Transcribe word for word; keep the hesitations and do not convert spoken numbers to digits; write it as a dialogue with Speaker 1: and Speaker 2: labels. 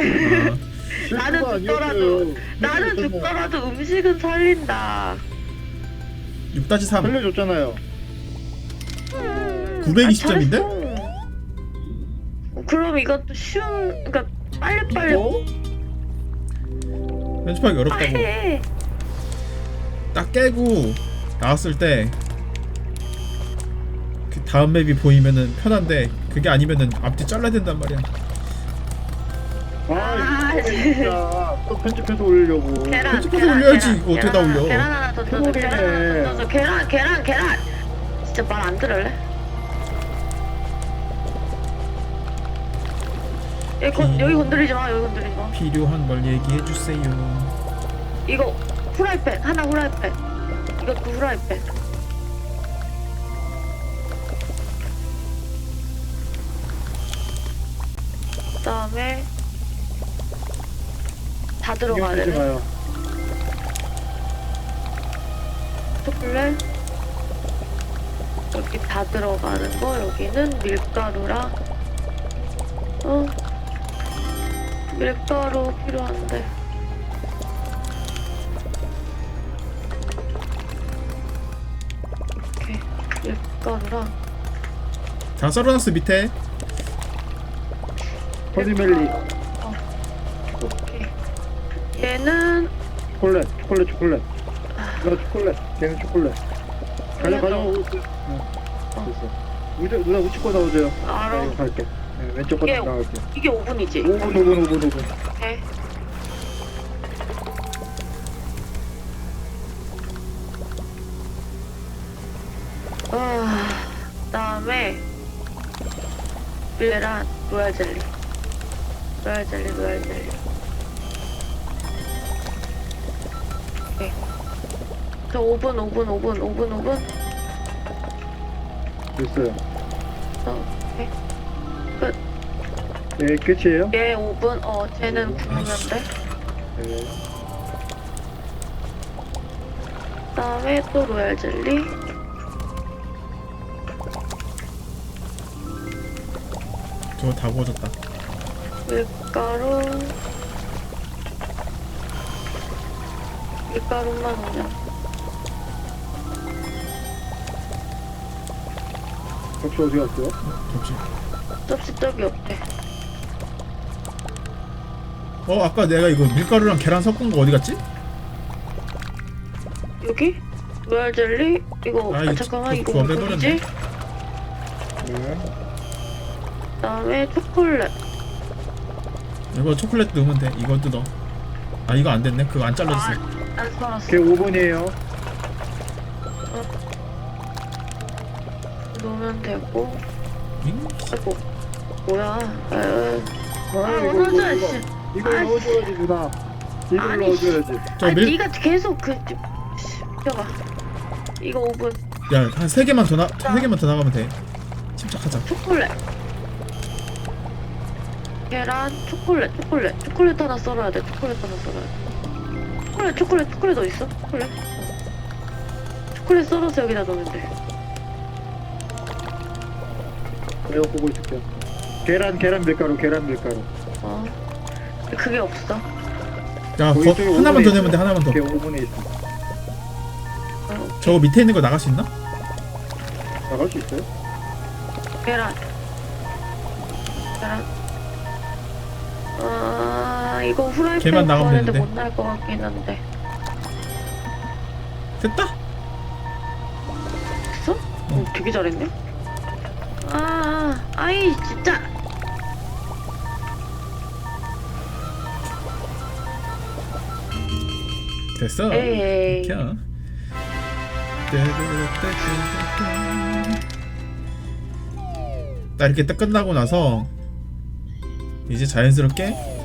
Speaker 1: 어.
Speaker 2: 나는
Speaker 3: 실수가
Speaker 2: 죽더라도
Speaker 3: 아니었어요.
Speaker 2: 나는
Speaker 3: 살려줬잖아요.
Speaker 2: 죽더라도 음식은 살린다.
Speaker 1: 육 다시 삼
Speaker 3: 살려줬잖아요.
Speaker 1: 구백이십 점인데?
Speaker 2: 아, 잘했어. 그럼 이것도 쉬운, 그러니까 빨리빨리
Speaker 3: 이거?
Speaker 1: 편집하기 어렵다고.
Speaker 2: 해.
Speaker 1: 딱 깨고 나왔을 때 그 다음 맵이 보이면은 편한데 그게 아니면은 앞뒤 잘라야 된단 말이야.
Speaker 3: 아,
Speaker 2: 아,
Speaker 3: 이거 진짜 또 편집해서 올리려고.
Speaker 2: 계란,
Speaker 1: 편집해서
Speaker 2: 계란,
Speaker 1: 올려야지.
Speaker 2: 계란,
Speaker 1: 이거 어떻게 다
Speaker 2: 계란 하나,
Speaker 1: 올려.
Speaker 2: 계란 하나 더 던져, 계란 하나
Speaker 3: 소리네.
Speaker 2: 더 던져, 계란, 계란, 계란. 진짜 말 안 들을래? 여기, 건, 여기 건드리지 마, 여기 건드리지 마.
Speaker 1: 필요한 걸 얘기해 주세요.
Speaker 2: 이거 후라이팬, 하나 후라이팬. 이것도 후라이팬. 그 다음에 다 들어가야
Speaker 3: 신경 쓰지
Speaker 2: 되네.
Speaker 3: 마요.
Speaker 2: 초콜릿 여기 다 들어가는 거. 여기는 밀가루랑 어 밀가루 필요한데 이렇게 밀가루랑
Speaker 1: 다 썰어놨어 밑에.
Speaker 3: 허니멜리,
Speaker 2: 어 오케이. 얘는
Speaker 3: 초콜릿, 초콜릿, 초콜릿. 나 초콜릿, 걔는 초콜릿. 가져, 가져.
Speaker 2: 어.
Speaker 3: 됐어. 우주, 누나 우측 거 나오세요.
Speaker 2: 알아.
Speaker 3: 네, 갈게. 네, 왼쪽 거
Speaker 2: 이게-
Speaker 3: 나갈게.
Speaker 2: 이게 오 분이지.
Speaker 3: 오 분, 오 분, 오 분, 오 분.
Speaker 2: 오케이. 아, 그다음에 밀레랑 로얄 젤리, 로얄 젤리, 로얄 젤리. 오케이. 저 오 분, 오 분, 오 분, 오 분, 오 분.
Speaker 3: 됐어요.
Speaker 2: 어, 오케이.
Speaker 3: 네, 끝이에요?
Speaker 2: 얘 오 분. 어, 쟤는 구우면 돼.
Speaker 3: 네.
Speaker 2: 그다음에 또 로얄 젤리.
Speaker 1: 저거 다 구워졌다.
Speaker 2: 밀가루 밀가루만 오면
Speaker 3: 접시 어디 갔어요?
Speaker 1: 접시.
Speaker 2: 접시 떡이 없대.
Speaker 1: 어 아까 내가 이거 밀가루랑 계란 섞은 거 어디 갔지?
Speaker 2: 여기? 로얄 젤리? 이거
Speaker 1: 아,
Speaker 2: 아,
Speaker 1: 이거
Speaker 2: 잠깐만
Speaker 1: 저-
Speaker 2: 이거
Speaker 1: 그거
Speaker 2: 뭐지?
Speaker 1: 빼버렸네.
Speaker 3: 네.
Speaker 2: 그다음에 초콜릿.
Speaker 1: 이거 초콜릿 넣으면 돼. 이것도 넣어. 아 이거 안 됐네. 그거 안 잘라졌어.
Speaker 2: 아, 안 썰었어.
Speaker 3: 걔 오 분이에요.
Speaker 2: 넣으면 되고.
Speaker 1: 잉?
Speaker 2: 아이고 뭐야? 에,
Speaker 3: 아,
Speaker 2: 아,
Speaker 3: 이거,
Speaker 2: 오늘
Speaker 3: 이거,
Speaker 2: 저
Speaker 3: 이거.
Speaker 2: 씨.
Speaker 3: 이걸
Speaker 2: 아,
Speaker 3: 넣어줘야지, 누나. 이걸
Speaker 2: 아니,
Speaker 3: 넣어줘야지.
Speaker 1: 저
Speaker 2: 아,
Speaker 1: 밀.
Speaker 2: 네가 계속 그 펴봐. 이거 오 분.
Speaker 1: 야한 세 개만 더 나. 세 개만 더 나가면 돼. 침착하자.
Speaker 2: 초콜릿. 계란, 초콜릿, 초콜릿, 초콜릿 하나 썰어야 돼. 초콜릿 하나 썰어야 돼. 초콜릿, 초콜릿, 초콜릿 어디 있어? 초콜릿. 초콜릿 썰어서 여기다 넣으면 돼.
Speaker 3: 내가 보고 있을게요. 계란, 계란 밀가루, 계란 밀가루.
Speaker 2: 어. 그게 없어.
Speaker 1: 야
Speaker 3: 거기
Speaker 1: 거,
Speaker 3: 저기
Speaker 1: 하나만
Speaker 3: 오븐에
Speaker 1: 더 내면 돼. 하나만 더.
Speaker 3: 걔 오 분에 있어.
Speaker 2: 어.
Speaker 1: 저거 밑에 있는 거 나갈 수 있나?
Speaker 3: 나갈 수 있어요?
Speaker 2: 계란. 계란. 아, 이거 후라이팬
Speaker 1: 걔만 나가면
Speaker 2: 구하는데
Speaker 1: 되는데.
Speaker 2: 못 날 것 같긴 한데.
Speaker 1: 됐다.
Speaker 2: 됐어? 어, 되게 잘했네. 아, 아, 아이, 진짜.
Speaker 1: 됐어.
Speaker 2: 에이.
Speaker 1: 켜. 딱 이렇게 딱 끝나고 나서 이제 자연스럽게